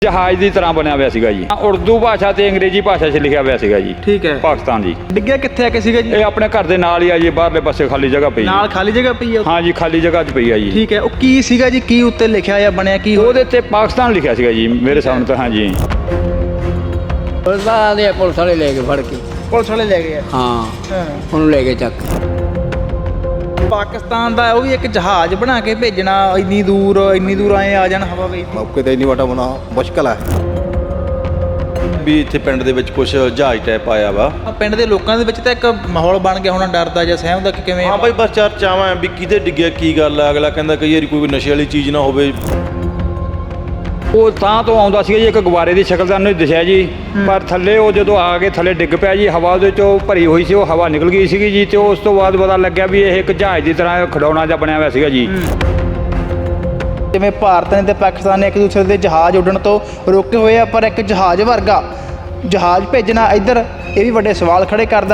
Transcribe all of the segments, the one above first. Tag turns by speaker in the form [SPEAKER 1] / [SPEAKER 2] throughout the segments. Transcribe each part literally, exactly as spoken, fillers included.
[SPEAKER 1] जहाज की तरह बनया हुआ सीगा जी। उर्दू भाषा ते अंग्रेजी भाषा च लिखा हुआ सीगा जी।
[SPEAKER 2] ठीक है।
[SPEAKER 1] पाकिस्तान जी।
[SPEAKER 2] डिग्गिया कित्थे आके सीगा जी?
[SPEAKER 1] ये अपने घर दे नाल ही आ जी, बाहरले पासे खाली जगह पई।
[SPEAKER 2] नाल खाली जगह पई है?
[SPEAKER 1] हाँ जी, खाली जगह च पई है जी।
[SPEAKER 2] ठीक है। ਉਹ ਕੀ ਸੀਗਾ ਜੀ, ਕੀ ਉੱਤੇ ਲਿਖਿਆ ਜਾਂ ਬਣਿਆ ਕੀ?
[SPEAKER 1] ਉਹਦੇ ਤੇ ਪਾਕਿਸਤਾਨ ਲਿਖਿਆ ਸੀਗਾ ਜੀ ਮੇਰੇ ਸਾਹਮਣੇ ਤਾਂ। ਹਾਂ ਜੀ
[SPEAKER 3] ਪੁਲਿਸ ਦੇ ਪੁਲਿਸ ਵਾਲੇ ਲੈ ਕੇ ਫੜ ਕੇ
[SPEAKER 2] ਪੁਲਿਸ ਵਾਲੇ ਲੈ ਗਏ ਆ?
[SPEAKER 3] ਹਾਂ
[SPEAKER 2] ਹਾਂ।
[SPEAKER 3] ਉਹਨੂੰ ਲੈ ਕੇ ਚੱਕ
[SPEAKER 2] ਪਾਕਿਸਤਾਨ ਦਾ ਉਹ ਵੀ ਇੱਕ ਜਹਾਜ਼ ਬਣਾ ਕੇ ਭੇਜਣਾ ਇੰਨੀ ਦੂਰ, ਇੰਨੀ ਦੂਰ ਆਏ ਆ ਜਾਣ ਹਵਾ ਵਿੱਚ।
[SPEAKER 4] ਮੌਕੇ ਤੇ ਇੰਨੀ ਵਾਟਾ ਬਣਾ ਮੁਸ਼ਕਲ ਹੈ
[SPEAKER 5] ਵੀ ਇੱਥੇ ਪਿੰਡ ਦੇ ਵਿੱਚ ਕੁਝ ਜਹਾਜ਼ ਟਾਈਪ ਆਇਆ ਵਾ।
[SPEAKER 2] ਪਿੰਡ ਦੇ ਲੋਕਾਂ ਦੇ ਵਿੱਚ ਤਾਂ ਇੱਕ ਮਾਹੌਲ ਬਣ ਗਿਆ ਹੋਣਾ ਡਰ ਦਾ ਜਾਂ ਸਹਿਮ ਦਾ ਕਿ ਕਿਵੇਂ?
[SPEAKER 5] ਹਾਂ ਬਾਈ, ਬਸ ਚਰਚਾਵਾਂ ਵੀ ਕਿਤੇ ਡਿੱਗਿਆ ਕੀ ਗੱਲ ਆ। ਅਗਲਾ ਕਹਿੰਦਾ ਕਈ ਵਾਰੀ ਕੋਈ ਨਸ਼ੇ ਵਾਲੀ ਚੀਜ਼ ਨਾ ਹੋਵੇ।
[SPEAKER 1] ਉਹ ਤਾਂ ਤੋਂ ਆਉਂਦਾ ਸੀਗਾ ਜੀ, ਇੱਕ ਗੁਬਾਰੇ ਦੀ ਸ਼ਕਲ ਦਾ ਉਹਨੂੰ ਦਿਸਿਆ ਜੀ, ਪਰ ਥੱਲੇ ਉਹ ਜਦੋਂ ਆ ਕੇ ਥੱਲੇ ਡਿੱਗ ਪਿਆ ਜੀ, ਹਵਾ ਉਹਦੇ ਚੋਂ ਭਰੀ ਹੋਈ ਸੀ, ਉਹ ਹਵਾ ਨਿਕਲ ਗਈ ਸੀਗੀ ਜੀ। ਤੇ ਉਸ ਤੋਂ ਬਾਅਦ ਪਤਾ ਲੱਗਿਆ ਵੀ ਇਹ ਇੱਕ ਜਹਾਜ਼ ਦੀ ਤਰ੍ਹਾਂ ਖਿਡੌਣਾ ਜਿਹਾ ਬਣਿਆ ਹੋਇਆ ਸੀਗਾ ਜੀ।
[SPEAKER 2] ਜਿਵੇਂ ਭਾਰਤ ਨੇ ਤੇ ਪਾਕਿਸਤਾਨ ਨੇ ਇੱਕ ਦੂਸਰੇ ਦੇ ਜਹਾਜ਼ ਉੱਡਣ ਤੋਂ ਰੋਕੇ ਹੋਏ ਆ, ਪਰ ਇੱਕ ਜਹਾਜ਼ ਵਰਗਾ ਜਹਾਜ਼ ਭੇਜਣਾ ਇੱਧਰ ਇਹ ਵੀ ਵੱਡੇ ਸਵਾਲ ਖੜੇ ਕਰਦਾ।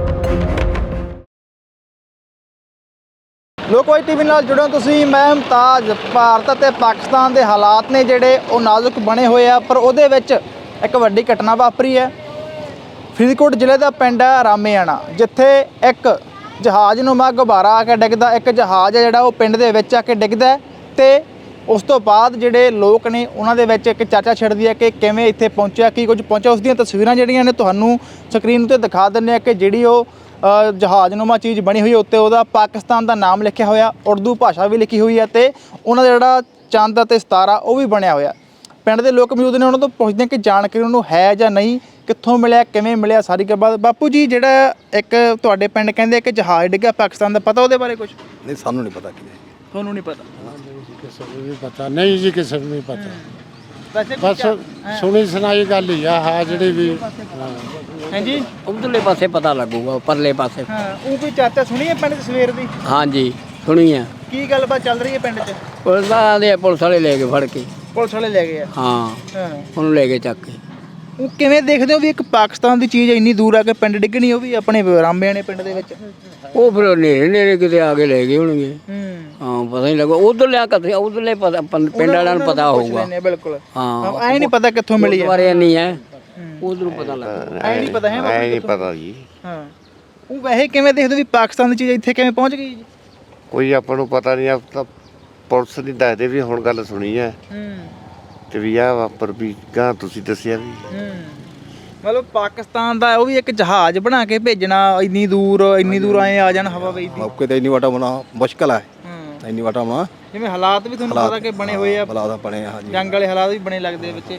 [SPEAKER 2] ਲੋਕਵਾਈ ਟੀਵੀ ਨਾਲ ਜੁੜੋ ਤੁਸੀਂ, ਮੈਂ ਮੁਮਤਾਜ਼। ਭਾਰਤ ਅਤੇ ਪਾਕਿਸਤਾਨ ਦੇ ਹਾਲਾਤ ਨੇ ਜਿਹੜੇ ਉਹ ਨਾਜ਼ੁਕ ਬਣੇ ਹੋਏ ਆ, ਪਰ ਉਹਦੇ ਵਿੱਚ ਇੱਕ ਵੱਡੀ ਘਟਨਾ ਵਾਪਰੀ ਹੈ। ਫਰੀਦਕੋਟ ਜ਼ਿਲ੍ਹੇ ਦਾ ਪਿੰਡ ਹੈ ਰਾਮੇਆਣਾ, ਜਿੱਥੇ ਇੱਕ ਜਹਾਜ਼ ਨੂੰ ਮਾ ਗੁਬਾਰਾ ਆ ਕੇ ਡਿੱਗਦਾ। ਇੱਕ ਜਹਾਜ਼ ਹੈ ਜਿਹੜਾ ਉਹ ਪਿੰਡ ਦੇ ਵਿੱਚ ਆ ਕੇ ਡਿੱਗਦਾ ਤੇ ਉਸ ਤੋਂ ਬਾਅਦ ਜਿਹੜੇ ਲੋਕ ਨੇ ਉਹਨਾਂ ਦੇ ਵਿੱਚ ਇੱਕ ਚਰਚਾ ਛਿੜਦੀ ਹੈ ਕਿ ਕਿਵੇਂ ਇੱਥੇ ਪਹੁੰਚਿਆ, ਕੀ ਕੁਝ ਪਹੁੰਚਿਆ। ਉਸ ਦੀਆਂ ਤਸਵੀਰਾਂ ਜਿਹੜੀਆਂ ਨੇ ਤੁਹਾਨੂੰ ਸਕਰੀਨ ਉੱਤੇ ਦਿਖਾ ਦਿੰਦੇ ਆ ਕਿ ਜਿਹੜੀ ਉਹ ਜਹਾਜ਼ਨੁਮਾ ਚੀਜ਼ ਬਣੀ ਹੋਈ ਉੱਤੇ ਉਹਦਾ ਪਾਕਿਸਤਾਨ ਦਾ ਨਾਮ ਲਿਖਿਆ ਹੋਇਆ, ਉਰਦੂ ਭਾਸ਼ਾ ਵੀ ਲਿਖੀ ਹੋਈ ਹੈ ਤੇ ਉਹਨਾਂ ਦਾ ਜਿਹੜਾ ਚੰਦ ਅਤੇ ਸਿਤਾਰਾ ਉਹ ਵੀ ਬਣਿਆ ਹੋਇਆ। ਪਿੰਡ ਦੇ ਲੋਕ ਮੌਜੂਦ ਨੇ, ਉਹਨਾਂ ਤੋਂ ਪੁੱਛਦੇ ਕਿ ਜਾਣਕਾਰੀ ਉਹਨੂੰ ਹੈ ਜਾਂ ਨਹੀਂ, ਕਿੱਥੋਂ ਮਿਲਿਆ, ਕਿਵੇਂ ਮਿਲਿਆ, ਸਾਰੀ ਗੱਲਬਾਤ। ਬਾਪੂ ਜੀ, ਜਿਹੜਾ ਇੱਕ ਤੁਹਾਡੇ ਪਿੰਡ ਕਹਿੰਦੇ ਕਿ ਜਹਾਜ਼ ਡਿੱਗਿਆ ਪਾਕਿਸਤਾਨ ਦਾ, ਪਤਾ ਉਹਦੇ ਬਾਰੇ ਕੁਝ?
[SPEAKER 4] ਨਹੀਂ, ਸਾਨੂੰ ਨਹੀਂ ਪਤਾ ਕੀ ਹੈ।
[SPEAKER 2] ਤੁਹਾਨੂੰ ਨਹੀਂ ਪਤਾ?
[SPEAKER 6] ਕਿਸੇ ਨੂੰ ਵੀ ਪਤਾ ਨਹੀਂ ਜੀ, ਕਿਸੇ ਨੂੰ ਨਹੀਂ ਪਤਾ।
[SPEAKER 2] ਵੈਸੇ
[SPEAKER 6] ਬਸ ਸੁਣੀ ਸੁਣਾਈ ਗੱਲ ਹੀ ਆ। ਹਾਂ ਜਿਹੜੀ ਵੀ
[SPEAKER 2] ਹਾਂਜੀ,
[SPEAKER 3] ਉਧਰਲੇ ਪਾਸੇ ਪਤਾ ਲੱਗੂਗਾ, ਪਰਲੇ ਪਾਸੇ।
[SPEAKER 2] ਹਾਂ। ਉਹ ਕੋਈ ਚਰਚਾ ਸੁਣੀ ਹੈ ਪਿੰਡ 'ਚ ਸਵੇਰ ਦੀ?
[SPEAKER 3] ਹਾਂਜੀ ਸੁਣੀ ਆ।
[SPEAKER 2] ਕੀ ਗੱਲਬਾਤ ਚੱਲ ਰਹੀ ਹੈ ਪਿੰਡ 'ਚ?
[SPEAKER 3] ਪੁਲਿਸ ਦੇ ਪੁਲਿਸ ਵਾਲੇ ਲੈ ਕੇ ਫੜ ਕੇ
[SPEAKER 2] ਪੁਲਿਸ ਵਾਲੇ ਲੈ ਗਏ ਆ?
[SPEAKER 3] ਹਾਂ
[SPEAKER 2] ਹਾਂ।
[SPEAKER 3] ਉਹਨੂੰ ਲੈ ਕੇ ਚੱਕ ਕੇ
[SPEAKER 2] ਉਹ ਕਿਵੇਂ ਦੇਖਦੇ ਹੋ ਵੀ ਇੱਕ ਪਾਕਿਸਤਾਨ ਦੀ ਚੀਜ਼ ਇੰਨੀ ਦੂਰ ਆ ਕੇ ਪਿੰਡ ਡਿੱਗਣੀ, ਉਹ ਵੀ ਆਪਣੇ ਰਾਮੇਆਣੇ ਪਿੰਡ ਦੇ ਵਿੱਚ?
[SPEAKER 3] ਉਹ ਫਿਰ ਨੇੜੇ ਨੇੜੇ ਕਿਤੇ ਆ ਕੇ ਲੈ ਗਏ ਹੋਣਗੇ।
[SPEAKER 2] ਹੂੰ।
[SPEAKER 3] ਹਾਂ, ਪਤਾ ਨਹੀਂ ਲੱਗਾ। ਉਧਰ ਲਿਆ ਕਿੱਥੇ, ਉਧਰਲੇ ਪਤਾ ਪਿੰਡ ਵਾਲਿਆਂ ਨੂੰ ਪਤਾ ਹੋਊਗਾ।
[SPEAKER 2] ਬਿਲਕੁਲ।
[SPEAKER 3] ਹਾਂ,
[SPEAKER 2] ਐ ਨਹੀਂ ਪਤਾ ਕਿੱਥੋਂ ਮਿਲੀ ਹੈ
[SPEAKER 3] ਬਾਰੇ ਨਹੀਂ ਹੈ, ਉਧਰੋਂ ਪਤਾ ਲੱਗਾ।
[SPEAKER 2] ਐ ਨਹੀਂ ਪਤਾ ਹੈ?
[SPEAKER 4] ਐ ਨਹੀਂ ਪਤਾ ਜੀ।
[SPEAKER 2] ਹਾਂ। ਉਹ ਵੈਸੇ ਕਿਵੇਂ ਦੇਖਦੇ ਵੀ ਪਾਕਿਸਤਾਨ ਦੀ ਚੀਜ਼ ਇੱਥੇ ਕਿਵੇਂ ਪਹੁੰਚ ਗਈ ਜੀ?
[SPEAKER 4] ਕੋਈ ਆਪਾਂ ਨੂੰ ਪਤਾ ਨਹੀਂ। ਆਪ ਤਾਂ ਪੁਲਿਸ ਨਹੀਂ ਦੱਸਦੇ ਵੀ ਹੁਣ ਗੱਲ ਸੁਣੀ ਹੈ
[SPEAKER 2] ਹੂੰ।
[SPEAKER 4] ਤੇ ਵੀ ਆ ਵਾਪਰ ਵੀ ਗਾਂ ਤੁਸੀਂ ਦੱਸਿਆ ਵੀ।
[SPEAKER 2] ਹੂੰ। ਮਤਲਬ ਪਾਕਿਸਤਾਨ ਦਾ ਉਹ ਵੀ ਇੱਕ ਜਹਾਜ਼ ਬਣਾ ਕੇ ਭੇਜਣਾ ਇੰਨੀ ਦੂਰ, ਇੰਨੀ ਦੂਰ ਆਏ ਆ ਜਾਣ ਹਵਾ ਵਿੱਚ ਦੀ।
[SPEAKER 4] ਮੌਕੇ ਤੇ ਇੰਨੀ ਵਾਟਾ ਬਣਾ ਮੁਸ਼ਕਲ ਹੈ।
[SPEAKER 2] ਹੂੰ।
[SPEAKER 4] ਇੰਨੀ ਵਾਟਾ ਬਣਾ
[SPEAKER 2] ਜਿਵੇਂ ਹਾਲਾਤ ਵੀ ਤੁਹਾਨੂੰ ਪਤਾ ਕਿ ਬਣੇ ਹੋਏ ਆ,
[SPEAKER 4] ਹਾਲਾਤ ਬਣੇ ਆ। ਹਾਂਜੀ,
[SPEAKER 2] ਜੰਗ ਵਾਲੇ ਹਾਲਾਤ ਵੀ ਬਣੇ ਲੱਗਦੇ ਵਿੱਚ।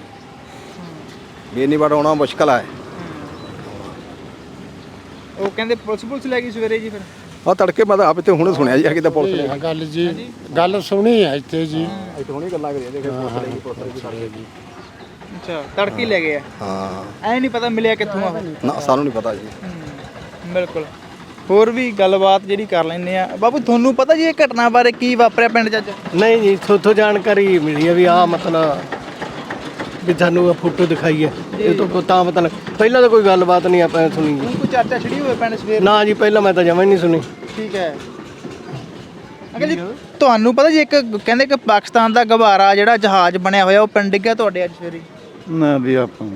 [SPEAKER 4] ਵੀ ਇੰਨੀ ਵਾਟਾ ਆਉਣਾ ਮੁਸ਼ਕਲ ਹੈ।
[SPEAKER 2] ਉਹ ਕਹਿੰਦੇ ਪੁਲਿਸ ਪੁਲਿਸ ਲੈ ਗਈ ਸਵੇਰੇ ਜੀ ਫਿਰ?
[SPEAKER 4] ਆ ਤੜਕੇ ਮੈਂ ਤਾਂ ਆਪ ਇੱਥੇ ਹੁਣੇ ਸੁਣਿਆ ਜੀ ਕਿ ਤਾਂ ਪੁਲਿਸ ਨੇ
[SPEAKER 6] ਇਹ ਗੱਲ ਜੀ, ਗੱਲ ਸੁਣੀ ਆ ਇੱਥੇ ਜੀ।
[SPEAKER 4] ਇੱਥੇ ਹੁਣੇ ਗੱਲਾਂ ਕਰੀਆਂ ਦੇਖੇ ਪੁਲਿਸ ਲੈ ਗਈ, ਪੁਲਿਸ ਲੈ ਗਈ ਜੀ।
[SPEAKER 2] ਅੱਛਾ, ਤੜਕੇ ਲੈ ਗਏ ਆ?
[SPEAKER 4] ਹਾਂ।
[SPEAKER 2] ਐ ਨਹੀਂ ਪਤਾ ਮਿਲਿਆ ਕਿੱਥੋਂ ਆ?
[SPEAKER 4] ਨਾ, ਸਾਨੂੰ ਨਹੀਂ ਪਤਾ ਜੀ।
[SPEAKER 2] ਬਿਲਕੁਲ। ਹੋਰ ਵੀ ਗੱਲਬਾਤ ਜਿਹੜੀ ਕਰ ਲੈਂਦੇ ਆ। ਬਾਬੂ, ਤੁਹਾਨੂੰ ਪਤਾ ਜੀ ਇਹ ਘਟਨਾ ਬਾਰੇ ਕੀ ਵਾਪਰਿਆ ਪਿੰਡ 'ਚ ਅੱਜ?
[SPEAKER 7] ਨਹੀਂ ਜੀ, ਥੋਥੋਂ ਜਾਣਕਾਰੀ ਮਿਲੀ ਹੈ ਵੀ ਆਹ ਮਤਲਬ ਵੀ ਤੁਹਾਨੂੰ ਫੋਟੋ ਦਿਖਾਈ ਹੈ, ਇਹ ਤੋਂ ਤਾਂ ਪਤਾ ਲੱਗ। ਪਹਿਲਾਂ ਤਾਂ ਕੋਈ ਗੱਲਬਾਤ ਨਹੀਂ ਆਪਾਂ ਸੁਣੀ ਜੀ।
[SPEAKER 2] ਕੋਈ ਚਰਚਾ ਛਿੜੀ ਹੋਵੇ ਪਿੰਡ ਸਵੇਰ?
[SPEAKER 7] ਨਾ ਜੀ, ਪਹਿਲਾਂ ਮੈਂ ਤਾਂ ਜਮਾਂ ਹੀ ਨਹੀਂ ਸੁਣੀ।
[SPEAKER 2] ਠੀਕ ਹੈ ਅੰਕਲ ਜੀ, ਤੁਹਾਨੂੰ ਪਤਾ ਜੀ ਇੱਕ ਕਹਿੰਦੇ ਕਿ ਪਾਕਿਸਤਾਨ ਦਾ ਗੁਬਾਰਾ ਜਿਹੜਾ ਜਹਾਜ਼ ਬਣਿਆ ਹੋਇਆ ਉਹ ਪਿੰਡ ਡਿੱਗਿਆ ਤੁਹਾਡੇ ਅੱਜ ਸਵੇਰੇ?
[SPEAKER 1] ਨਾ ਵੀ ਆਪਾਂ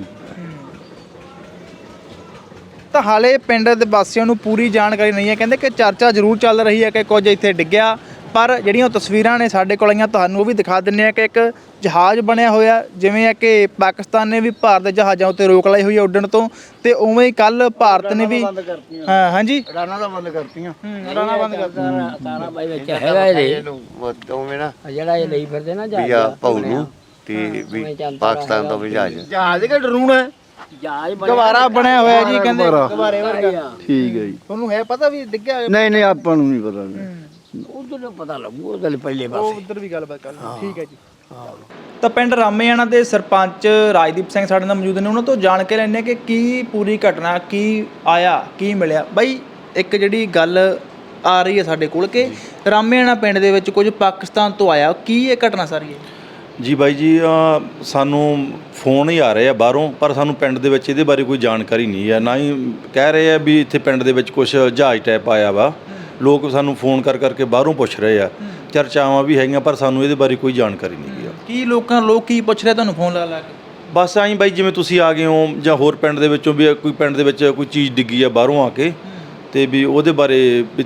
[SPEAKER 2] ਤਾਂ ਹਾਲੇ ਪਿੰਡ ਦੇ ਵਾਸੀਆਂ ਨੂੰ ਪੂਰੀ ਜਾਣਕਾਰੀ ਨਹੀਂ ਹੈ। ਕਹਿੰਦੇ ਕਿ ਚਰਚਾ ਜ਼ਰੂਰ ਚੱਲ ਰਹੀ ਹੈ ਕਿ ਕੁਝ ਇੱਥੇ ਡਿੱਗਿਆ, ਪਰ ਜਿਹੜੀਆਂ ਤਸਵੀਰਾਂ ਨੇ ਸਾਡੇ ਕੋਲ ਆਈਆਂ ਤੁਹਾਨੂੰ ਉਹ ਵੀ ਦਿਖਾ ਦਿੰਦੇ ਆ ਕਿ ਇੱਕ ਜਹਾਜ਼ ਬਣਿਆ ਹੋਇਆ, ਜਿਵੇਂ ਹੈ ਕਿ ਪਾਕਿਸਤਾਨ ਨੇ ਵੀ ਭਾਰਤ ਦੇ ਜਹਾਜ਼ਾਂ ਉੱਤੇ ਰੋਕ ਲਾਈ ਹੋਈ ਹੈ ਉੱਡਣ ਤੋਂ, ਤੇ ਉਵੇਂ ਹੀ ਕੱਲ ਭਾਰਤ ਨੇ ਵੀ। ਹਾਂ ਹਾਂਜੀ,
[SPEAKER 4] ਰਾਣਾ ਦਾ ਬੰਦ ਕਰਤੀਆਂ।
[SPEAKER 2] ਹੂੰ, ਰਾਣਾ ਬੰਦ ਕਰਤਾ।
[SPEAKER 3] ਸਾਰਾ ਬਾਈ ਵਿੱਚ ਹੈਗਾ ਇਹਦੇ,
[SPEAKER 4] ਉਵੇਂ ਨਾ
[SPEAKER 3] ਜਿਹੜਾ ਇਹ ਲਈ ਫਿਰਦੇ ਨਾ
[SPEAKER 4] ਵੀ
[SPEAKER 3] ਜਹਾਜ਼
[SPEAKER 4] ਆ ਭਾਊ ਨੂੰ ਤੇ ਵੀ ਪਾਕਿਸਤਾਨ ਦਾ ਵੀ ਜਹਾਜ਼
[SPEAKER 2] ਜਹਾਜ਼ ਕਿ ਡਰੂਣਾ
[SPEAKER 3] ਜਹਾਜ਼
[SPEAKER 2] ਗੁਬਾਰਾ ਬਣਿਆ ਹੋਇਆ ਜੀ, ਕਹਿੰਦੇ ਗੁਬਾਰੇ ਵਰਗਾ।
[SPEAKER 6] ਠੀਕ ਹੈ ਜੀ।
[SPEAKER 2] ਤੁਹਾਨੂੰ ਹੈ ਪਤਾ ਵੀ ਡਿੱਗਿਆ ਹੋਇਆ?
[SPEAKER 6] ਨਹੀਂ ਨਹੀਂ, ਆਪਾਂ ਨੂੰ ਨਹੀਂ ਪਤਾ।
[SPEAKER 3] ਉਧਰ ਪਤਾ ਲੱਗੂ, ਉਹਦੇ ਪਹਿਲੇ
[SPEAKER 2] ਉਹ
[SPEAKER 3] ਪਾਸੇ।
[SPEAKER 2] ਉੱਧਰ ਵੀ ਗੱਲਬਾਤ ਕਰ ਲਓ। ਠੀਕ ਹੈ ਜੀ। ਤਾਂ ਪਿੰਡ ਰਾਮੇਆਣਾ ਦੇ ਸਰਪੰਚ ਰਾਜਦੀਪ ਸਿੰਘ ਸਾਡੇ ਨਾਲ ਮੌਜੂਦ ਨੇ, ਉਹਨਾਂ ਤੋਂ ਜਾਣ ਕੇ ਲੈਂਦੇ ਕਿ ਕੀ ਪੂਰੀ ਘਟਨਾ, ਕੀ ਆਇਆ, ਕੀ ਮਿਲਿਆ। ਬਾਈ, ਇੱਕ ਜਿਹੜੀ ਗੱਲ ਆ ਰਹੀ ਹੈ ਸਾਡੇ ਕੋਲ ਕਿ ਰਾਮੇਆਣਾ ਪਿੰਡ ਦੇ ਵਿੱਚ ਕੁਝ ਪਾਕਿਸਤਾਨ ਤੋਂ ਆਇਆ, ਕੀ ਇਹ ਘਟਨਾ ਸਾਰੀ ਹੈ?
[SPEAKER 5] ਜੀ ਬਾਈ ਜੀ, ਅਹ ਸਾਨੂੰ ਫੋਨ ਹੀ ਆ ਰਹੇ ਆ ਬਾਹਰੋਂ, ਪਰ ਸਾਨੂੰ ਪਿੰਡ ਦੇ ਵਿੱਚ ਇਹਦੇ ਬਾਰੇ ਕੋਈ ਜਾਣਕਾਰੀ ਨਹੀਂ ਹੈ। ਨਾ ਹੀ ਕਹਿ ਰਹੇ ਆ ਵੀ ਇੱਥੇ ਪਿੰਡ ਦੇ ਵਿੱਚ ਕੁਝ ਜਹਾਜ਼ ਟਾਈਪ ਆਇਆ ਵਾ। ਲੋਕ ਸਾਨੂੰ ਫੋਨ ਕਰ ਕਰਕੇ ਬਾਹਰੋਂ ਪੁੱਛ ਰਹੇ ਆ, ਚਰਚਾਵਾਂ ਵੀ ਹੈਗੀਆਂ, ਪਰ ਸਾਨੂੰ ਇਹਦੇ ਬਾਰੇ ਕੋਈ ਜਾਣਕਾਰੀ ਨਹੀਂ ਹੈ।
[SPEAKER 2] ਕੀ ਲੋਕਾਂ ਲੋਕ ਕੀ ਪੁੱਛ ਰਹੇ ਤੁਹਾਨੂੰ ਫੋਨ ਲਾ ਲਾ ਕੇ?
[SPEAKER 5] ਬਸ ਆਈ ਬਾਈ ਜਿਵੇਂ ਤੁਸੀਂ ਆ ਗਏ ਹੋ ਜਾਂ ਹੋਰ ਪਿੰਡ ਦੇ ਵਿੱਚੋਂ ਵੀ ਕੋਈ ਪਿੰਡ ਦੇ ਵਿੱਚ ਕੋਈ ਚੀਜ਼ ਡਿੱਗੀ ਆ ਬਾਹਰੋਂ ਆ ਕੇ ਤੇ ਵੀ ਉਹਦੇ ਬਾਰੇ ਵੀ,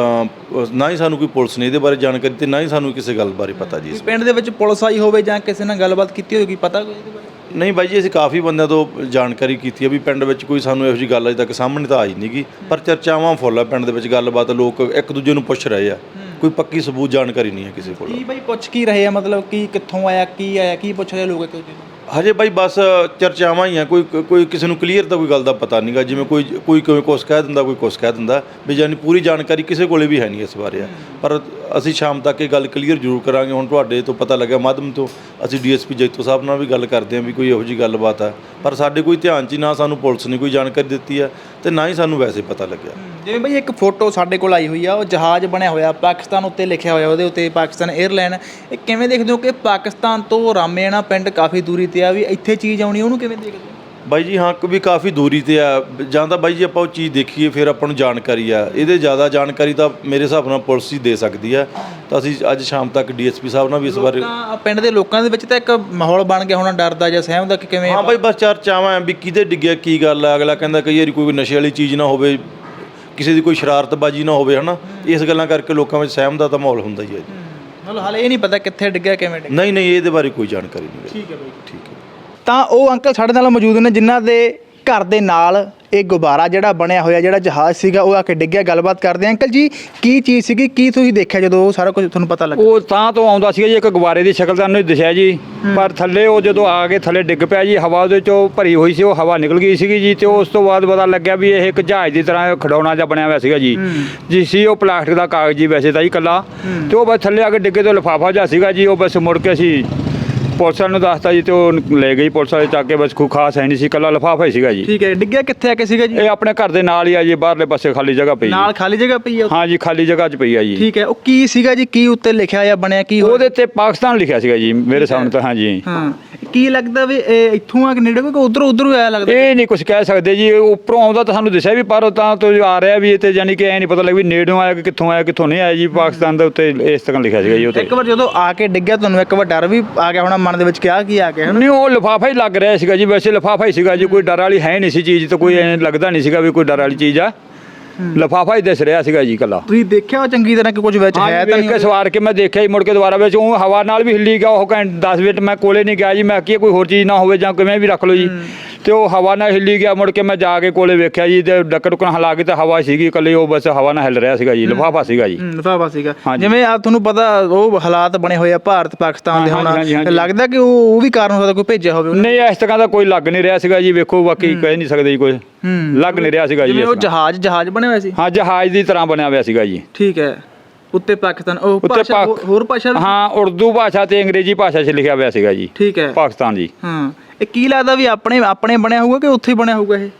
[SPEAKER 5] ਅਹ, ਨਾ ਹੀ ਸਾਨੂੰ ਕੋਈ ਪੁਲਿਸ ਨੇ ਇਹਦੇ ਬਾਰੇ ਜਾਣਕਾਰੀ ਤੇ ਨਾ ਹੀ ਸਾਨੂੰ ਕਿਸੇ ਗੱਲ ਬਾਰੇ ਪਤਾ ਜੀ ਇਸ
[SPEAKER 2] ਪਿੰਡ ਦੇ ਵਿੱਚ ਪੁਲਿਸ ਆਈ ਹੋਵੇ ਜਾਂ ਕਿਸੇ ਨਾਲ ਗੱਲਬਾਤ ਕੀਤੀ ਹੋਵੇ, ਪਤਾ ਕੋਈ ਇਹਦੇ ਬਾਰੇ?
[SPEAKER 5] ਨਹੀਂ ਬਾਈ ਜੀ ਅਸੀਂ ਕਾਫੀ ਬੰਦਿਆਂ ਤੋਂ ਜਾਣਕਾਰੀ ਕੀਤੀ ਹੈ ਵੀ ਪਿੰਡ ਵਿੱਚ ਕੋਈ ਸਾਨੂੰ ਇਹੋ ਜਿਹੀ ਗੱਲ ਅਜੇ ਤੱਕ ਸਾਹਮਣੇ ਤਾਂ ਆਈ ਨਹੀਂਗੀ ਪਰ ਚਰਚਾਵਾਂ ਫੁੱਲ ਆ ਪਿੰਡ ਦੇ ਵਿੱਚ ਗੱਲਬਾਤ ਲੋਕ ਇੱਕ ਦੂਜੇ ਨੂੰ ਪੁੱਛ ਰਹੇ ਆ ਕੋਈ ਪੱਕੀ ਸਬੂਤ ਜਾਣਕਾਰੀ ਨਹੀਂ ਹੈ ਕਿਸੇ ਕੋਲ
[SPEAKER 2] ਕੀ ਬਾਈ ਪੁੱਛ ਕੀ ਰਹੇ ਆ, ਮਤਲਬ ਕੀ ਕਿੱਥੋਂ ਆਇਆ ਕੀ ਆਇਆ ਕੀ ਪੁੱਛ ਰਹੇ ਲੋਕ ਇੱਕ ਦੂਜੇ ਨੂੰ?
[SPEAKER 5] ਹਜੇ ਬਾਈ ਬਸ ਚਰਚਾਵਾਂ ਹੀ ਆ ਕੋਈ ਕੋਈ ਕਿਸੇ ਨੂੰ ਕਲੀਅਰ ਤਾਂ ਕੋਈ ਗੱਲ ਦਾ ਪਤਾ ਨਹੀਂਗਾ ਜਿਵੇਂ ਕੋਈ ਕੋਈ ਕਿਵੇਂ ਕੁਛ ਕਹਿ ਦਿੰਦਾ ਕੋਈ ਕੁਛ ਕਹਿ ਦਿੰਦਾ ਵੀ ਜਾਨੀ ਪੂਰੀ ਜਾਣਕਾਰੀ ਕਿਸੇ ਕੋਲੇ ਵੀ ਹੈ ਨਹੀਂ ਇਸ ਬਾਰੇ ਆ ਪਰ ਅਸੀਂ ਸ਼ਾਮ ਤੱਕ ਇਹ ਗੱਲ ਕਲੀਅਰ ਜ਼ਰੂਰ ਕਰਾਂਗੇ। ਹੁਣ ਤੁਹਾਡੇ ਤੋਂ ਪਤਾ ਲੱਗਿਆ ਮਾਧਿਅਮ ਤੋਂ ਅਸੀਂ ਡੀਐਸਪੀ ਜੈਤੋ ਸਾਹਿਬ ਨਾਲ ਵੀ ਗੱਲ ਕਰਦੇ ਹਾਂ ਵੀ ਕੋਈ ਇਹੋ ਜਿਹੀ ਗੱਲਬਾਤ ਆ ਪਰ ਸਾਡੇ ਕੋਈ ਧਿਆਨ 'ਚ ਹੀ ਨਾ ਸਾਨੂੰ ਪੁਲਿਸ ਨੇ ਕੋਈ ਜਾਣਕਾਰੀ ਦਿੱਤੀ ਆ ਤੇ ਨਾ ਹੀ ਸਾਨੂੰ ਵੈਸੇ ਪਤਾ ਲੱਗਿਆ।
[SPEAKER 2] ਜਿਵੇਂ ਬਈ ਇੱਕ ਫੋਟੋ ਸਾਡੇ ਕੋਲ ਆਈ ਹੋਈ ਆ ਉਹ ਜਹਾਜ਼ ਬਣਿਆ ਹੋਇਆ ਪਾਕਿਸਤਾਨ ਉੱਤੇ ਲਿਖਿਆ ਹੋਇਆ ਉਹਦੇ ਉੱਤੇ ਪਾਕਿਸਤਾਨ 에ਅਰਲਾਈਨ, ਇਹ ਕਿਵੇਂ ਦੇਖਦੇ ਹੋ ਕਿ ਪਾਕਿਸਤਾਨ ਤੋਂ ਰਾਮੇਣਾ ਪਿੰਡ ਕਾਫੀ ਦੂਰੀ ਤੇ ਆ ਵੀ ਇੱਥੇ ਚੀਜ਼ ਆਉਣੀ ਉਹਨੂੰ ਕਿਵੇਂ ਦੇਖਦੇ ਹੋ?
[SPEAKER 5] ਬਾਈ ਜੀ ਹਾਂ ਵੀ ਕਾਫੀ ਦੂਰੀ ਤੇ ਆ ਜਾਂ ਤਾਂ ਬਾਈ ਜੀ ਆਪਾਂ ਉਹ ਚੀਜ਼ ਦੇਖੀਏ ਫਿਰ ਆਪਾਂ ਨੂੰ ਜਾਣਕਾਰੀ ਆ ਇਹਦੇ ਜ਼ਿਆਦਾ ਜਾਣਕਾਰੀ ਤਾਂ ਮੇਰੇ ਹਿਸਾਬ ਨਾਲ ਪੁਲਿਸ ਹੀ ਦੇ ਸਕਦੀ ਆ ਤਾਂ ਅਸੀਂ ਅੱਜ ਸ਼ਾਮ ਤੱਕ ਡੀਐਸਪੀ ਸਾਹਿਬ ਨਾਲ ਵੀ ਇਸ ਬਾਰੇ
[SPEAKER 2] ਤਾਂ ਪਿੰਡ ਦੇ ਲੋਕਾਂ ਦੇ ਵਿੱਚ ਤਾਂ ਇੱਕ ਮਾਹੌਲ ਬਣ ਗਿਆ ਹੋਣਾ ਡਰ ਦਾ ਜਾਂ ਸਹਿਮ ਦਾ ਕਿ ਕਿਵੇਂ?
[SPEAKER 5] ਹਾਂ ਬਾਈ ਬਸ ਚਰਚਾਵਾਂ ਵੀ ਕਿਹਦੇ ਡਿੱਗਿਆ ਕੀ ਗੱਲ ਆ ਅਗਲਾ ਕਹਿੰਦਾ ਕਈ ਵਾਰੀ ਕੋਈ ਨਸ਼ੇ ਵਾਲੀ ਚੀਜ਼ ਨਾ ਹੋਵੇ ਕਿਸੇ ਦੀ ਕੋਈ ਸ਼ਰਾਰਤਬਾਜ਼ੀ ਨਾ ਹੋਵੇ ਹਨਾ ਇਸ ਗੱਲਾਂ ਕਰਕੇ ਲੋਕਾਂ ਵਿੱਚ ਸਹਿਮ ਦਾ ਤਾਂ ਮਾਹੌਲ ਹੁੰਦਾ ਹੀ ਹੈ ਜੀ।
[SPEAKER 2] ਮਤਲਬ ਹਾਲੇ ਇਹ ਨਹੀਂ ਪਤਾ ਕਿੱਥੇ ਡਿੱਗਿਆ ਕਿਵੇਂ ਡਿੱਗਿਆ?
[SPEAKER 5] ਨਹੀਂ ਨਹੀਂ ਇਹਦੇ ਬਾਰੇ ਕੋਈ ਜਾਣਕਾਰੀ ਨਹੀਂ
[SPEAKER 2] ਠੀਕ ਹੈ ਬਾਈ
[SPEAKER 5] ਠੀਕ ਹੈ।
[SPEAKER 2] ਤਾਂ ਉਹ ਅੰਕਲ ਸਾਡੇ ਨਾਲ ਮੌਜੂਦ ਨੇ ਜਿਨ੍ਹਾਂ ਦੇ ਘਰ ਦੇ ਨਾਲ ਇਹ ਗੁਬਾਰਾ ਜਿਹੜਾ ਬਣਿਆ ਹੋਇਆ ਜਿਹੜਾ ਜਹਾਜ਼ ਸੀਗਾ ਉਹ ਆ ਕੇ ਡਿੱਗਿਆ। ਗੱਲਬਾਤ ਕਰਦੇ ਆ। ਅੰਕਲ ਜੀ ਕੀ ਚੀਜ਼ ਸੀਗੀ, ਕੀ ਤੁਸੀਂ ਦੇਖਿਆ ਜਦੋਂ ਉਹ ਸਾਰਾ ਕੁਝ ਤੁਹਾਨੂੰ ਪਤਾ ਲੱਗਾ?
[SPEAKER 1] ਉਹ ਤਾਂ ਤੋਂ ਆਉਂਦਾ ਸੀਗਾ ਜੀ ਇੱਕ ਗੁਬਾਰੇ ਦੀ ਸ਼ਕਲ ਤਾਂ ਉਹਨੂੰ ਦਿਸਿਆ ਜੀ ਪਰ ਥੱਲੇ ਉਹ ਜਦੋਂ ਆ ਕੇ ਥੱਲੇ ਡਿੱਗ ਪਿਆ ਜੀ ਹਵਾ ਉਹਦੇ ਚੋਂ ਭਰੀ ਹੋਈ ਸੀ ਉਹ ਹਵਾ ਨਿਕਲ ਗਈ ਸੀਗੀ ਜੀ ਤੇ ਉਸ ਤੋਂ ਬਾਅਦ ਪਤਾ ਲੱਗਿਆ ਵੀ ਇਹ ਇੱਕ ਜਹਾਜ਼ ਦੀ ਤਰ੍ਹਾਂ ਖਿਡੌਣਾ ਜਿਹਾ ਬਣਿਆ ਹੋਇਆ ਸੀਗਾ ਜੀ ਜੀ ਸੀ ਉਹ ਪਲਾਸਟਿਕ ਦਾ ਕਾਗਜ਼ ਜੀ ਵੈਸੇ ਤਾਂ ਜੀ ਇਕੱਲਾ ਤੇ ਉਹ ਬਸ ਥੱਲੇ ਆ ਕੇ ਡਿੱਗੇ ਤੋਂ ਲਿਫਾਫਾ ਜਿਹਾ ਸੀਗਾ ਜੀ ਉਹ ਬਸ ਮੁੜ ਕੇ ਅਸੀਂ ਪੁਲਿਸ ਵਾਲੇ ਨੂੰ ਦੱਸਤਾ ਜੀ ਤੇ ਉਹ ਲੈ ਗਈ ਪੁਲਿਸ ਵਾਲੇ ਚੱਕ ਕੇ ਬਸ ਕੋਈ ਖਾਸ ਹੈ ਨਹੀਂ ਸੀ ਇਕੱਲਾ ਲਿਫਾਫਾ ਹੀ ਸੀਗਾ ਜੀ।
[SPEAKER 2] ਠੀਕ ਹੈ, ਡਿੱਗਿਆ ਕਿੱਥੇ ਆ ਕੇ ਸੀਗਾ ਜੀ?
[SPEAKER 1] ਇਹ ਆਪਣੇ ਘਰ ਦੇ ਨਾਲ ਹੀ ਆ ਜੀ ਬਾਹਰਲੇ ਪਾਸੇ ਖਾਲੀ ਜਗ੍ਹਾ ਪਈ
[SPEAKER 2] ਨਾਲ ਖਾਲੀ ਜਗ੍ਹਾ ਪਈ ਆ?
[SPEAKER 1] ਹਾਂ ਜੀ ਖਾਲੀ ਜਗ੍ਹਾ 'ਚ ਪਈ ਆ ਜੀ।
[SPEAKER 2] ਠੀਕ ਹੈ, ਉਹ ਕੀ ਸੀਗਾ ਜੀ, ਕੀ ਉੱਤੇ ਲਿਖਿਆ ਜਾਂ ਬਣਿਆ ਕੀ ਹੋਇਆ?
[SPEAKER 1] ਉਹਦੇ ਤੇ ਪਾਕਿਸਤਾਨ ਲਿਖਿਆ ਸੀਗਾ ਜੀ ਮੇਰੇ ਸਾਹਮਣੇ ਤਾਂ। ਹਾਂ ਜੀ
[SPEAKER 2] ਹਾਂ, ਕੀ ਲੱਗਦਾ ਵੀ ਇਹ ਇੱਥੋਂ ਆ ਕੇ ਨੇੜੇ ਕੋਈ ਉਧਰੋਂ ਉਧਰੋਂ ਆਇਆ ਲੱਗਦਾ?
[SPEAKER 1] ਇਹ ਨਹੀਂ ਕੁਝ ਕਹਿ ਸਕਦੇ ਜੀ ਉੱਪਰੋਂ ਆਉਂਦਾ ਤਾਂ ਸਾਨੂੰ ਦੱਸਿਆ ਵੀ ਪਰ ਤਾਂ ਤੋਂ ਆ ਰਿਹਾ ਵੀ ਇਹ ਤੇ ਯਾਨੀ ਕਿ ਐ ਨਹੀਂ ਪਤਾ ਲੱਗ ਵੀ ਨੇੜੋਂ ਆਇਆ ਕਿ ਕਿੱਥੋਂ ਆਇਆ ਕਿੱਥੋਂ ਨਹੀਂ ਆਇਆ ਜੀ। ਪਾਕਿਸਤਾਨ ਦੇ ਉੱਤੇ ਇਸ ਤਰ੍ਹਾਂ ਲਿਖਿਆ ਸੀਗਾ ਜੀ ਉੱਤੇ।
[SPEAKER 2] ਇੱਕ ਵਾਰ ਜਦੋਂ ਆ ਕੇ ਡਿੱਗਿਆ ਤੁਹਾਨੂੰ ਇੱਕ ਵਾਰ ਡਰ ਵੀ ਆ ਗਿਆ ਹੋਣਾ ਮਨ ਦੇ ਵਿੱਚ ਕਿ ਆ ਕੀ ਆ ਗਿਆ?
[SPEAKER 1] ਨਹੀਂ ਉਹ ਲਿਫਾਫਾ ਹੀ ਲੱਗ ਰਿਹਾ ਸੀਗਾ ਜੀ ਵੈਸੇ ਲਿਫਾਫਾ ਹੀ ਸੀਗਾ ਜੀ ਕੋਈ ਡਰ ਵਾਲੀ ਹੈ ਨਹੀਂ ਸੀ ਚੀਜ਼ ਤਾਂ ਕੋਈ ਐਂ ਲੱਗਦਾ ਨਹੀਂ ਸੀਗਾ ਵੀ ਕੋਈ ਡਰ ਵਾਲੀ ਚੀਜ਼ ਆ ਲਿਫਾਫਾ ਹੀ ਦਿਸ ਰਿਹਾ ਸੀਗਾ ਜੀ ਇਕੱਲਾ।
[SPEAKER 2] ਤੁਸੀਂ ਦੇਖਿਆ ਉਹ ਚੰਗੀ ਤਰ੍ਹਾਂ ਕਿ ਕੁਝ ਵਿੱਚ ਹੈ ਤਾਂ
[SPEAKER 1] ਦੇਖ ਕੇ ਸਵਾਰ ਕੇ ਮੈਂ ਦੇਖਿਆ ਹੀ ਮੁੜ ਕੇ ਦੁਬਾਰਾ ਵਿੱਚ ਉਹ ਹਵਾ ਨਾਲ ਵੀ ਹਿੱਲੀ ਗਿਆ ਉਹ ਘੰਟੇ ਦਸ ਮਿੰਟ ਮੈਂ ਕੋਲੇ ਨਹੀਂ ਗਿਆ ਜੀ ਮੈਂ ਕੀ ਕੋਈ ਹੋਰ ਚੀਜ਼ ਨਾ ਹੋਵੇ ਜਾਂ ਕਿਵੇਂ ਵੀ ਰੱਖ ਲਓ ਜੀ ਤੇ ਉਹ ਹਵਾ ਨਾਲ ਹਿੱਲੀ ਗਿਆ ਮੁੜ ਕੇ ਮੈਂ ਜਾ ਕੇ ਕੋਲੇ ਵੇਖਿਆ ਜੀ ਤੇ ਡੱਕਰ ਡੁੱਕਣ ਹਿਲਾ ਕੇ ਤਾਂ ਹਵਾ ਸੀਗੀ ਇਕੱਲੀ ਉਹ ਬਸ ਹਵਾ ਨਾਲ ਹਿੱਲ ਰਿਹਾ ਸੀਗਾ ਜੀ ਲਿਫਾਫਾ ਸੀਗਾ ਜੀ।
[SPEAKER 2] ਲਿਫਾਫਾ ਸੀਗਾ ਜਿਵੇਂ ਆ ਤੁਹਾਨੂੰ ਪਤਾ ਉਹ ਹਾਲਾਤ ਬਣੇ ਹੋਏ ਆ ਭਾਰਤ ਪਾਕਿਸਤਾਨ ਦੇ ਹੁਣ ਲੱਗਦਾ ਕਿ ਉਹ ਉਹ ਵੀ ਕਾਰਨ ਹੋ ਸਕਦਾ ਕੋਈ ਭੇਜਿਆ ਹੋਵੇ?
[SPEAKER 1] ਨਹੀਂ ਇਸ ਤਰ੍ਹਾਂ ਦਾ ਕੋਈ ਲੱਗ ਨਹੀਂ ਰਿਹਾ ਸੀਗਾ ਜੀ ਵੇਖੋ ਬਾਕੀ ਕਹਿ ਨਹੀਂ ਸਕਦੇ ਜੀ ਕੋਈ ਲੱਗ ਨਹੀਂ ਰਿਹਾ ਸੀਗਾ ਜੀ।
[SPEAKER 2] ਉਹ ਜਹਾਜ਼ ਜਹਾਜ਼ ਬਣਿਆ ਹੋਇਆ ਸੀ?
[SPEAKER 1] ਹਾਂ ਜਹਾਜ਼ ਦੀ ਤਰ੍ਹਾਂ ਬਣਿਆ ਹੋਇਆ ਸੀਗਾ ਜੀ।
[SPEAKER 2] ਠੀਕ ਹੈ, ਉੱਤੇ ਪਾਕਿਸਤਾਨ ਉਹ ਭਾਸ਼ਾ ਹੋਰ ਭਾਸ਼ਾ
[SPEAKER 1] ਹਾਂ ਉਰਦੂ ਭਾਸ਼ਾ ਤੇ ਅੰਗਰੇਜ਼ੀ ਭਾਸ਼ਾ 'ਚ ਲਿਖਿਆ ਹੋਇਆ ਸੀਗਾ ਜੀ।
[SPEAKER 2] ਠੀਕ ਹੈ,
[SPEAKER 1] ਪਾਕਿਸਤਾਨ ਜੀ।
[SPEAKER 2] ਹਾਂ ਇਹ ਕੀ ਲੱਗਦਾ ਵੀ ਆਪਣੇ ਆਪਣੇ ਬਣਿਆ ਹੋਊਗਾ ਕਿ ਉੱਥੇ ਬਣਿਆ ਹੋਊਗਾ? ਇਹ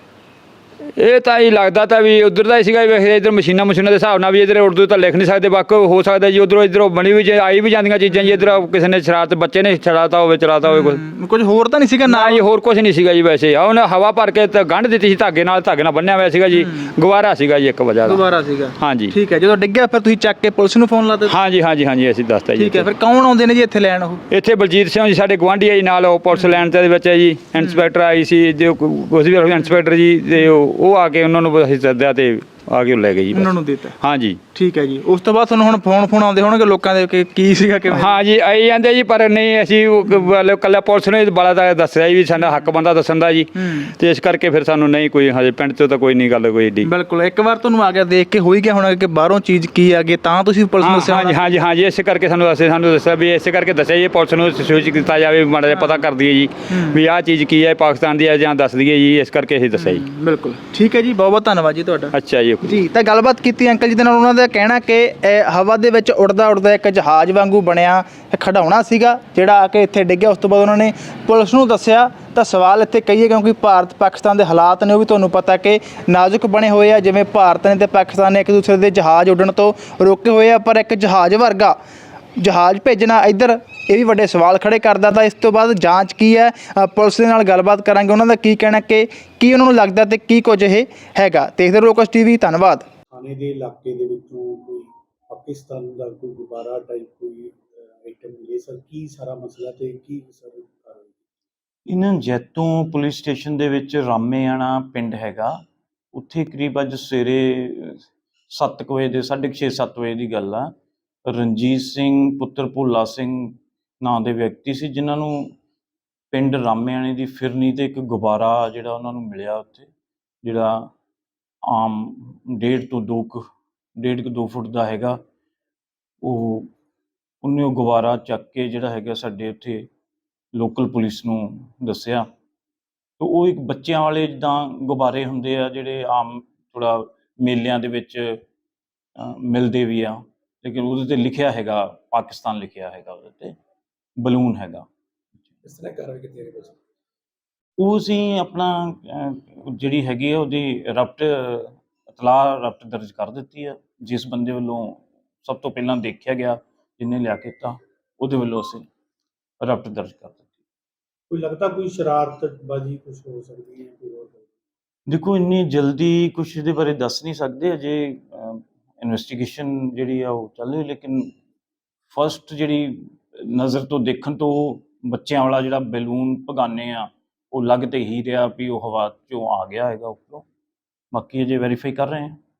[SPEAKER 1] ਇਹ ਤਾਂ ਹੀ ਲੱਗਦਾ ਤਾਂ ਵੀ ਉਧਰ ਦਾ ਹੀ ਸੀਗਾ ਵੈਸੇ ਇੱਧਰ ਮਸ਼ੀਨਾਂ ਮਸ਼ੀਨਾਂ ਦੇ ਹਿਸਾਬ ਨਾਲ ਵੀ ਇੱਧਰ ਉਰਦੂ ਤਾਂ ਲਿਖ ਨਹੀਂ ਸਕਦੇ ਬਾਕੀ ਹੋ ਸਕਦਾ ਜੀ ਉਧਰੋਂ ਇੱਧਰੋਂ ਬਣੀ ਵੀ ਜੇ ਆਈ ਵੀ ਜਾਂਦੀਆਂ ਚੀਜ਼ਾਂ ਜੀ ਇੱਧਰ ਕਿਸੇ ਨੇ ਸ਼ਰਾਰਤ ਬੱਚੇ ਨੇ ਚਲਾਤਾ ਹੋਵੇ ਚਲਾਤਾ ਹੋਵੇ ਕੁਝ
[SPEAKER 2] ਕੁਝ ਹੋਰ ਤਾਂ ਨਹੀਂ ਸੀਗਾ?
[SPEAKER 1] ਨਾ ਜੀ ਹੋਰ ਕੁਝ ਨਹੀਂ ਸੀਗਾ ਜੀ ਵੈਸੇ ਆ ਉਹਨੇ ਹਵਾ ਭਰ ਕੇ ਤਾਂ ਗੰਢ ਦਿੱਤੀ ਸੀ ਧਾਗੇ ਨਾਲ ਧਾਗੇ ਨਾਲ ਬੰਨਿਆ ਹੋਇਆ ਸੀਗਾ ਜੀ ਗੁਬਾਰਾ ਸੀਗਾ ਜੀ ਇੱਕ ਵਜ੍ਹਾ ਦਾ।
[SPEAKER 2] ਗੁਬਾਰਾ ਸੀਗਾ?
[SPEAKER 1] ਹਾਂਜੀ
[SPEAKER 2] ਠੀਕ ਹੈ, ਜਦੋਂ ਡਿੱਗਿਆ ਫਿਰ ਤੁਸੀਂ ਚੱਕ ਕੇ ਪੁਲਿਸ ਨੂੰ ਫੋਨ ਲਾ ਦਿੱਤਾ?
[SPEAKER 1] ਹਾਂਜੀ ਹਾਂਜੀ ਹਾਂਜੀ ਅਸੀਂ ਦੱਸਤਾ ਜੀ।
[SPEAKER 2] ਠੀਕ ਹੈ, ਫਿਰ ਕੌਣ ਆਉਂਦੇ ਨੇ ਜੀ ਇੱਥੇ ਲੈਣ? ਉਹ
[SPEAKER 1] ਇੱਥੇ ਬਲਜੀਤ ਸਿੰਘ ਜੀ ਸਾਡੇ ਗੁਆਂਢੀ ਆ ਜੀ ਨਾਲ ਉਹ ਪੁਲਿਸ ਲੈਣ ਦੇ ਵਿੱਚ ਹੈ ਜੀ ਇੰਸਪੈਕਟਰ ਆਈ ਸੀ ਜੋ ਕੁਝ ਵੀ ਇੰਸਪੈਕਟਰ ਜੀ ਤੇ ਉਹ ਆ ਕੇ ਉਹਨਾਂ ਨੂੰ ਅਸੀਂ ਸੱਦਿਆ ਤੇ ਆ ਕੇ ਲੈ ਗਏ ਜੀ
[SPEAKER 2] ਉਹਨਾਂ ਨੂੰ ਦਿੱਤਾ?
[SPEAKER 1] ਹਾਂਜੀ
[SPEAKER 2] ਠੀਕ ਹੈ ਜੀ। ਉਸ ਤੋਂ ਬਾਅਦ ਤੁਹਾਨੂੰ ਹੁਣ ਫੋਨ ਫੋਨ ਆਉਂਦੇ ਹੋਣਗੇ ਲੋਕਾਂ ਦੇ ਕਿ ਕੀ ਸੀਗਾ ਕਿਵੇਂ?
[SPEAKER 1] ਹਾਂ ਜੀ ਆਈ ਜਾਂਦੇ ਜੀ ਪਰ ਨਹੀਂ ਅਸੀਂ ਕੱਲਾ ਪੁਲਿਸ ਨੇ ਬੜਾ ਦਾ ਦੱਸਿਆ ਵੀ ਸਾਡਾ ਹੱਕ ਬੰਦਾ ਦੱਸਣ ਦਾ ਜੀ ਤੇ ਇਸ ਕਰਕੇ ਫਿਰ ਸਾਨੂੰ ਨਹੀਂ ਕੋਈ ਹਜੇ ਪਿੰਡ 'ਚੋਂ ਤਾਂ ਕੋਈ ਨਹੀਂ ਗੱਲ ਕੋਈ ਏਡੀ।
[SPEAKER 2] ਬਿਲਕੁਲ, ਇੱਕ ਵਾਰ ਤੁਹਾਨੂੰ ਆ ਗਿਆ ਦੇਖ ਕੇ ਹੋ ਹੀ ਗਿਆ ਹੋਣਾ ਕਿ ਬਾਹਰੋਂ ਚੀਜ਼ ਕੀ ਆ ਗਈ ਤਾਂ ਤੁਸੀਂ ਪੁਲਿਸ ਨੂੰ ਦੱਸਿਆ?
[SPEAKER 1] ਹਾਂਜੀ ਹਾਂਜੀ ਹਾਂਜੀ ਇਸੇ ਕਰਕੇ ਸਾਨੂੰ ਦੱਸੇ ਸਾਨੂੰ ਦੱਸਿਆ ਵੀ ਇਸੇ ਕਰਕੇ ਦੱਸਿਆ ਜੀ ਪੁਲਿਸ ਨੂੰ ਸੂਚਿਤ ਕੀਤਾ ਜਾਵੇ ਮਾੜਾ ਜਿਹਾ ਪਤਾ ਕਰ ਦਈਏ ਜੀ ਵੀ ਆਹ ਚੀਜ਼ ਕੀ ਹੈ ਪਾਕਿਸਤਾਨ ਦੀ ਹੈ ਜਾਂ ਦੱਸ ਦਈਏ ਜੀ ਇਸ ਕਰਕੇ ਅਸੀਂ ਦੱਸਿਆ ਜੀ।
[SPEAKER 2] ਬਿਲਕੁਲ ਠੀਕ ਹੈ ਜੀ, ਬਹੁਤ ਬਹੁਤ ਧੰਨਵਾਦ ਜੀ ਤੁਹਾਡਾ।
[SPEAKER 1] ਅੱਛਾ ਜੀ
[SPEAKER 2] ਜੀ ਤਾਂ ਗੱਲਬਾਤ ਕੀਤੀ ਅੰਕਲ ਜੀ ਦੇ ਨਾਲ, ਉਹਨਾਂ ਦਾ ਕਹਿਣਾ ਕਿ ਇਹ ਹਵਾ ਦੇ ਵਿੱਚ ਉੜਦਾ ਉੜਦਾ ਇੱਕ ਜਹਾਜ਼ ਵਾਂਗੂ ਬਣਿਆ ਖਿਡੌਣਾ ਸੀਗਾ ਜਿਹੜਾ ਆ ਕੇ ਇੱਥੇ ਡਿੱਗਿਆ। ਉਸ ਤੋਂ ਬਾਅਦ ਉਹਨਾਂ ਨੇ ਪੁਲਿਸ ਨੂੰ ਦੱਸਿਆ ਤਾਂ ਸਵਾਲ ਇੱਥੇ ਕਹੀਏ ਕਿਉਂਕਿ ਭਾਰਤ ਪਾਕਿਸਤਾਨ ਦੇ ਹਾਲਾਤ ਨੇ ਉਹ ਵੀ ਤੁਹਾਨੂੰ ਪਤਾ ਕਿ ਨਾਜ਼ੁਕ ਬਣੇ ਹੋਏ ਆ ਜਿਵੇਂ ਭਾਰਤ ਨੇ ਤੇ ਪਾਕਿਸਤਾਨ ਨੇ ਇੱਕ ਦੂਸਰੇ ਦੇ ਜਹਾਜ਼ ਉੱਡਣ ਤੋਂ ਰੋਕੇ ਹੋਏ ਆ ਪਰ ਇੱਕ ਜਹਾਜ਼ ਵਰਗਾ ਜਹਾਜ਼ ਭੇਜਣਾ ਇੱਧਰ ਇਹ ਵੀ ਵੱਡੇ ਸਵਾਲ ਖੜੇ ਕਰਦਾ। ਤਾਂ ਇਸ ਤੋਂ ਬਾਅਦ ਜਾਂਚ ਕੀ ਹੈ ਪੁਲਿਸ ਦੇ ਨਾਲ ਗੱਲਬਾਤ ਕਰਾਂਗੇ ਉਹਨਾਂ ਦਾ ਕੀ ਕਹਿਣਾ ਕਿ ਕੀ ਉਹਨਾਂ ਨੂੰ ਲੱਗਦਾ ਤੇ ਕੀ ਕੁਝ ਇਹ ਹੈਗਾ। ਦੇਖਦੇ ਰਹੋ ਲੋਕਸ ਟੀਵੀ, ਧੰਨਵਾਦ।
[SPEAKER 8] ਥਾਣੇ ਦੇ ਇਲਾਕੇ ਦੇ ਵਿੱਚੋਂ ਕੋਈ ਪਾਕਿਸਤਾਨ ਦਾ ਕੋਈ ਗੁਬਾਰਾ ਟਾਈਪ ਕੋਈ ਆਈਟਮ ਮਿਲੇ ਸਰ ਕੀ ਸਾਰਾ ਮਸਲਾ ਤੇ ਕੀ ਸਰ ਕਾਰਨ?
[SPEAKER 9] ਇਹਨਾਂ ਜੈਤੋਂ ਪੁਲਿਸ ਸਟੇਸ਼ਨ ਦੇ ਵਿੱਚ ਰਾਮੇਆਣਾ ਪਿੰਡ ਹੈਗਾ, ਉੱਥੇ ਕਰੀਬ ਅੱਜ ਸਵੇਰੇ ਸੱਤ ਕੁ ਵਜੇ ਦੇ ਸਾਢੇ ਕੁ ਛੇ ਸੱਤ ਵਜੇ ਦੀ ਗੱਲ ਆ। ਰਣਜੀਤ ਸਿੰਘ ਪੁੱਤਰ ਭੋਲਾ ਸਿੰਘ ਨਾਂ ਦੇ ਵਿਅਕਤੀ ਸੀ, ਜਿਨ੍ਹਾਂ ਨੂੰ ਪਿੰਡ ਰਾਮੇਆਣੇ ਦੀ ਫਿਰਨੀ ਤੇ ਇੱਕ ਗੁਬਾਰਾ ਜਿਹੜਾ ਉਹਨਾਂ ਨੂੰ ਮਿਲਿਆ ਉੱਥੇ, ਜਿਹੜਾ ਆਮ ਡੇਢ ਤੋਂ ਦੋ ਕੁ ਡੇਢ ਕੁ ਦੋ ਫੁੱਟ ਦਾ ਹੈਗਾ। ਉਹ ਉਹਨੇ ਉਹ ਗੁਬਾਰਾ ਚੱਕ ਕੇ ਜਿਹੜਾ ਹੈਗਾ ਸਾਡੇ ਉੱਥੇ ਲੋਕਲ ਪੁਲਿਸ ਨੂੰ ਦੱਸਿਆ। ਤੇ ਉਹ ਇੱਕ ਬੱਚਿਆਂ ਵਾਲੇ ਜਿੱਦਾਂ ਗੁਬਾਰੇ ਹੁੰਦੇ ਆ ਜਿਹੜੇ ਆਮ ਥੋੜ੍ਹਾ ਮੇਲਿਆਂ ਦੇ ਵਿੱਚ ਅ, ਮਿਲਦੇ ਵੀ ਆ, ਲੇਕਿਨ ਉਹਦੇ 'ਤੇ ਲਿਖਿਆ ਹੈਗਾ ਪਾਕਿਸਤਾਨ ਲਿਖਿਆ ਹੈਗਾ, ਉਹਦੇ 'ਤੇ ਬਲੂਨ ਹੈਗਾ।
[SPEAKER 8] ਇਸ ਤਰ੍ਹਾਂ ਕਾਰਵਾਈ ਕੀਤੀ ਜਾ ਰਹੀ ਹੈ?
[SPEAKER 9] ਉਹ ਅਸੀਂ ਆਪਣਾ ਅ, ਜਿਹੜੀ ਹੈਗੀ ਆ ਉਹਦੀ ਰਪਟ ਇਤਲਾਹ ਰਪਟ ਦਰਜ ਕਰ ਦਿੱਤੀ ਆ। ਜਿਸ ਬੰਦੇ ਵੱਲੋਂ ਸਭ ਤੋਂ ਪਹਿਲਾਂ ਦੇਖਿਆ ਗਿਆ, ਜਿਹਨੇ ਲਿਆ ਕੇ ਦਿੱਤਾ, ਉਹਦੇ ਵੱਲੋਂ ਅਸੀਂ ਰਪਟ ਦਰਜ ਕਰ ਦਿੱਤੀ।
[SPEAKER 8] ਕੋਈ ਲੱਗਦਾ ਕੋਈ ਸ਼ਰਾਰਤਬਾਜ਼ੀ ਕੁਝ ਹੋ ਸਕਦੀ ਹੈ ਕੋਈ ਹੋਰ?
[SPEAKER 9] ਦੇਖੋ ਇੰਨੀ ਜਲਦੀ ਕੁਛ ਇਹਦੇ ਬਾਰੇ ਦੱਸ ਨਹੀਂ ਸਕਦੇ, ਅਜੇ ਇਨਵੈਸਟੀਗੇਸ਼ਨ ਜਿਹੜੀ ਆ ਉਹ ਚੱਲ ਰਹੀ, ਲੇਕਿਨ ਫਸਟ ਜਿਹੜੀ ਨਜ਼ਰ ਤੋਂ ਦੇਖਣ ਤੋਂ ਬੱਚਿਆਂ ਵਾਲਾ ਜਿਹੜਾ ਬੈਲੂਨ ਭਗਾਨੇ ਆ ਉਹ ਲੱਗ ਤੇ ਹੀ ਰਿਹਾ ਵੀ ਉਹ ਹਵਾ 'ਚੋਂ ਆ ਗਿਆ ਹੈਗਾ ਉੱਪਰੋਂ। ਬਾਕੀ ਅਜੇ ਵੈਰੀਫਾਈ ਕਰ ਰਹੇ ਹਾਂ।